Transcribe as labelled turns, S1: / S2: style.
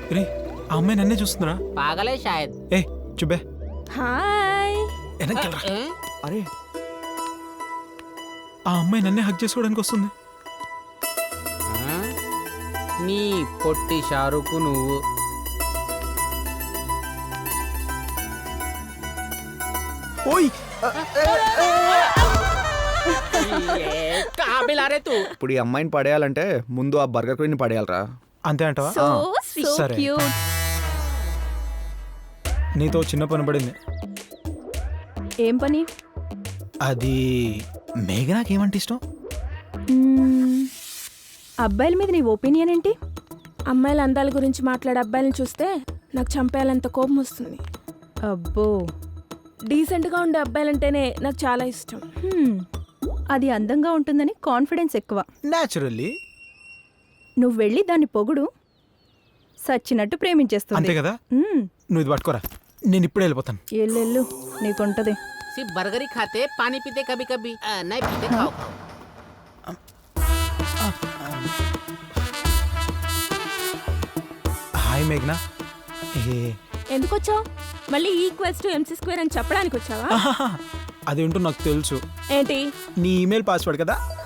S1: రే ఆ అమ్మాయి నన్నే చూస్తుందిరా.
S2: पागल है शायद।
S1: ఏ చుబ్బే
S3: హాయ్.
S1: వెనక్కెళ్ళరా.
S2: हैं?
S4: అరే
S1: ఆ అమ్మాయి నన్నే హక్ చేసుకోవడానికి వస్తుంది.
S2: हाँ? నీ పొట్టి షారుకు నువ్వు
S1: ఓయ్
S2: कहाँ मिला रे तू?
S4: ఇప్పుడు ఈ అమ్మాయిని పడేయాలంటే ముందు ఆ బర్గర్ క్వీన్ పడేయాలరా.
S1: అంతే అంటావా?
S3: సో
S1: సరే.
S3: So cute.
S1: నీతో చిన్న పని పడింది.
S3: ఏం పని?
S1: అది మేఘనాకి ఏమంటే ఇష్టం?
S3: మ్మ్. అబ్బాయిల మీద నీ ఒపీనియన్ ఏంటి?
S5: అమ్మాయిల అందాల గురించి మాట్లాడే అబ్బాయిలను చూస్తే నాకు చంపేయాలంత కోపం వస్తుంది.
S3: అబ్బో.
S5: డీసెంట్గా ఉండే అబ్బాయిలంటేనే నాకు చాలా ఇష్టం.
S3: అది అందంగా ఉంటుందని కాన్ఫిడెన్స్ ఎక్కువ.
S1: న్యాచురల్లీ.
S3: నువ్వు వెళ్ళి దాన్ని పొగుడు, సచ్చినట్టు ప్రేమించేస్తుంది.
S1: అంతే కదా. నువ్వు ఇది పట్టుకోరా, నేను ఇప్పుడే వెళ్ళిపోతాను.
S3: ఎల్లెళ్ళు నీకుంటది.
S2: सिर्फ बर्गर ही खाते, पानी पीते कभी कभी। नहीं पीते, खाओ खाओ।
S1: హాయ్ మేఘనా. ఏ
S5: ఎందుకు వచ్చావు? మళ్ళీ ఈక్వల్స్ టు MC² అని చెప్పడానికి వచ్చావా?
S1: అదేంటో నాకు తెలుసు.
S5: ఏంటి?
S1: నీ ఈమెయిల్ పాస్వర్డ్ కదా.